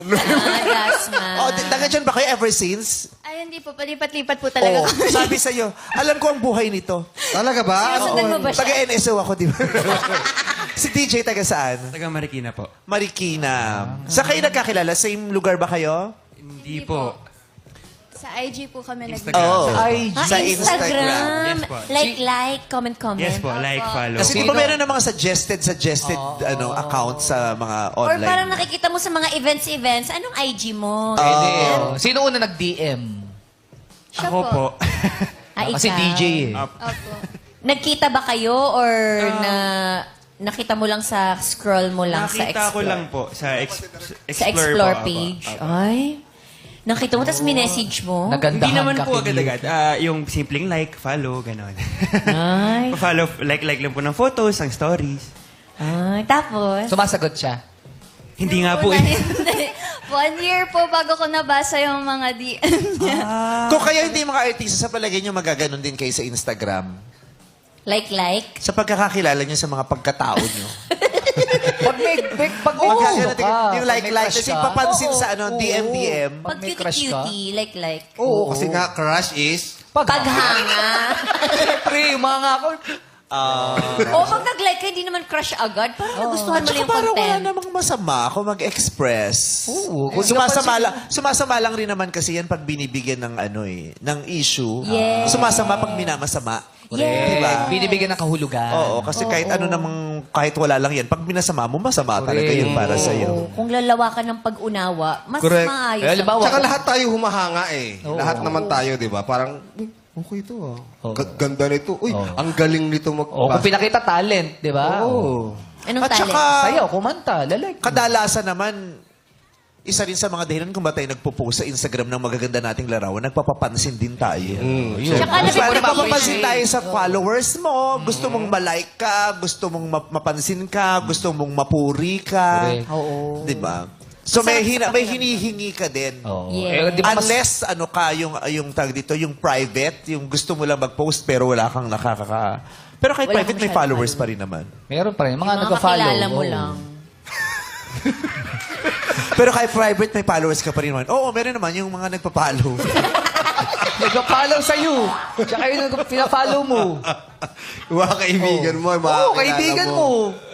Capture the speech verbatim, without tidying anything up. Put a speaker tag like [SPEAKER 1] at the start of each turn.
[SPEAKER 1] Ah, Dasma.
[SPEAKER 2] Oh, di- taga dyan ba kayo ever since?
[SPEAKER 1] Ay, hindi po. Palipat-lipat po talaga
[SPEAKER 2] Oo.
[SPEAKER 1] kami.
[SPEAKER 2] Sabi sa'yo, alam ko ang buhay nito.
[SPEAKER 3] Talaga ba?
[SPEAKER 1] Sinusundan mo ba siya?
[SPEAKER 2] Taga N S O ako, di ba? Si D J taga saan?
[SPEAKER 4] Taga Marikina po.
[SPEAKER 2] Marikina. Sa kayo nagkakilala? Same lugar ba kayo?
[SPEAKER 4] Hindi po.
[SPEAKER 1] Sa I G po kami nag-
[SPEAKER 4] Instagram.
[SPEAKER 2] Oo.
[SPEAKER 3] I G.
[SPEAKER 1] Ah,
[SPEAKER 2] Sa
[SPEAKER 1] Instagram.
[SPEAKER 2] Instagram.
[SPEAKER 4] Yes po.
[SPEAKER 1] Like, like, comment, comment.
[SPEAKER 4] Yes po, like, follow.
[SPEAKER 2] Kasi di ba meron ng mga suggested, suggested ano account sa mga
[SPEAKER 1] Or
[SPEAKER 2] online?
[SPEAKER 1] parang nakikita mo sa mga events-events, anong I G mo?
[SPEAKER 5] Pwede. oh. Sino una nag-D M?
[SPEAKER 1] Siya
[SPEAKER 4] Ako po.
[SPEAKER 1] Ah,
[SPEAKER 5] Kasi
[SPEAKER 1] ikaw.
[SPEAKER 5] D J eh.
[SPEAKER 1] Opo. Nagkita ba kayo or na nakita mo lang sa scroll mo lang sa
[SPEAKER 4] Nakita ko
[SPEAKER 1] Explore?
[SPEAKER 4] lang po sa, ex-
[SPEAKER 1] Sa
[SPEAKER 4] Explore,
[SPEAKER 1] Explore
[SPEAKER 4] po,
[SPEAKER 1] page.
[SPEAKER 4] Apo.
[SPEAKER 1] Ay. Nakita mo, tapos minessage mo?
[SPEAKER 5] Nagandahan
[SPEAKER 4] Hindi naman
[SPEAKER 5] ka
[SPEAKER 4] po
[SPEAKER 5] kay
[SPEAKER 4] agad-agad. Ah, yung simpleng like, follow, gano'n.
[SPEAKER 1] Ay.
[SPEAKER 4] follow, like-like lang po ng photos, ng stories.
[SPEAKER 1] Ay. Tapos?
[SPEAKER 5] Sumasagot siya.
[SPEAKER 4] Hindi nga po
[SPEAKER 1] Una,
[SPEAKER 4] eh.
[SPEAKER 1] hindi. One year po bago ko nabasa yung mga D M niya.
[SPEAKER 2] Kung kayo hindi mga artista, sa palagay nyo magaganon din kayo sa Instagram.
[SPEAKER 1] Like, like?
[SPEAKER 2] Sa pagkakakilala nyo sa mga pagkatao nyo.
[SPEAKER 5] Pag may, may pag may
[SPEAKER 2] Magkaganon
[SPEAKER 5] gusto
[SPEAKER 2] din-
[SPEAKER 5] ka,
[SPEAKER 2] yung
[SPEAKER 5] pag
[SPEAKER 2] like,
[SPEAKER 5] may
[SPEAKER 2] like,
[SPEAKER 5] crush
[SPEAKER 2] kasi
[SPEAKER 5] ka,
[SPEAKER 2] papansin
[SPEAKER 1] Oo.
[SPEAKER 2] sa ano, D M, D M.
[SPEAKER 5] Pag
[SPEAKER 1] Pag
[SPEAKER 5] may crush ka?
[SPEAKER 1] cutie-cutie, like, like.
[SPEAKER 3] Oo, kasi nga, crush is...
[SPEAKER 5] Pag,
[SPEAKER 1] Paghanga.
[SPEAKER 5] Pre, mga nga ako.
[SPEAKER 1] O pag nag-like ka, hindi naman crush agad. Parang nagustuhan mo
[SPEAKER 2] Tsaka
[SPEAKER 1] lang yung
[SPEAKER 2] parang wala
[SPEAKER 1] content.
[SPEAKER 2] namang masama kung mag-express.
[SPEAKER 5] Oo, kung
[SPEAKER 2] sumasama,
[SPEAKER 5] napansin-
[SPEAKER 2] lang, sumasama lang rin naman kasi yan pag binibigyan ng ano eh, ng issue.
[SPEAKER 1] Yes.
[SPEAKER 2] Sumasama pag minamasama.
[SPEAKER 1] Yes.
[SPEAKER 2] Diba?
[SPEAKER 5] Binibigyan ng kahulugan.
[SPEAKER 2] Oo, kasi kahit ano namang, kahit wala lang yan, pag minasama mo, masama talaga yun para sa'yo.
[SPEAKER 1] Oo, kung lalawakan ng pag-unawa, mas
[SPEAKER 3] Correct.
[SPEAKER 1] maayos.
[SPEAKER 5] Eh, halimbawa,
[SPEAKER 3] Tsaka lahat tayo humahanga eh.
[SPEAKER 5] Oo.
[SPEAKER 3] Lahat naman tayo, di ba? Parang, "Uy, okay ito ah.
[SPEAKER 5] Oo.
[SPEAKER 3] Ga- Ganda nito. Uy,
[SPEAKER 5] Oo.
[SPEAKER 3] ang galing nito mag-
[SPEAKER 5] oh, kung pinakita talent, di ba?
[SPEAKER 3] Oo.
[SPEAKER 1] Anong
[SPEAKER 2] At
[SPEAKER 1] talent?
[SPEAKER 2] saka,
[SPEAKER 5] Sayaw, kumanta, lalike.
[SPEAKER 2] kadalasan naman, isa rin sa mga dahilan kung ba tayo nagpo-post sa Instagram ng magaganda nating larawan, nagpapapansin din tayo.
[SPEAKER 3] Mm,
[SPEAKER 5] Yun.
[SPEAKER 1] Tsaka
[SPEAKER 2] Diba,
[SPEAKER 1] nabi-
[SPEAKER 2] nagpapapansin tayo sa followers mo, gusto mong ma-like ka, gusto mong ma- mapansin ka, gusto mong mapuri ka.
[SPEAKER 5] Correct.
[SPEAKER 1] Oo.
[SPEAKER 2] Di ba? So may, hina, may hinihingi ka din.
[SPEAKER 5] Oo.
[SPEAKER 1] Yeah.
[SPEAKER 5] Eh, di ba mas-
[SPEAKER 2] Unless, ano ka, yung, yung tag dito, yung private, yung gusto mo lang mag-post pero wala kang nakakaka... Pero kahit
[SPEAKER 1] Wala
[SPEAKER 2] private,
[SPEAKER 1] kang
[SPEAKER 2] may
[SPEAKER 1] masyadong
[SPEAKER 2] followers pa rin naman.
[SPEAKER 5] meron pa rin. Mga,
[SPEAKER 1] Yung mga
[SPEAKER 5] nag-follow.
[SPEAKER 1] kakilala mo
[SPEAKER 5] Oo.
[SPEAKER 1] lang.
[SPEAKER 2] Pero kahit private, may followers ka pa rin naman. Oo, meron naman yung mga nagpa-follow.
[SPEAKER 5] Nag-follow sa'yo. Tsaka yung nag- pina-follow mo.
[SPEAKER 3] Mga kaibigan mo, mga
[SPEAKER 5] Oo,
[SPEAKER 3] kakilala
[SPEAKER 5] kaibigan mo.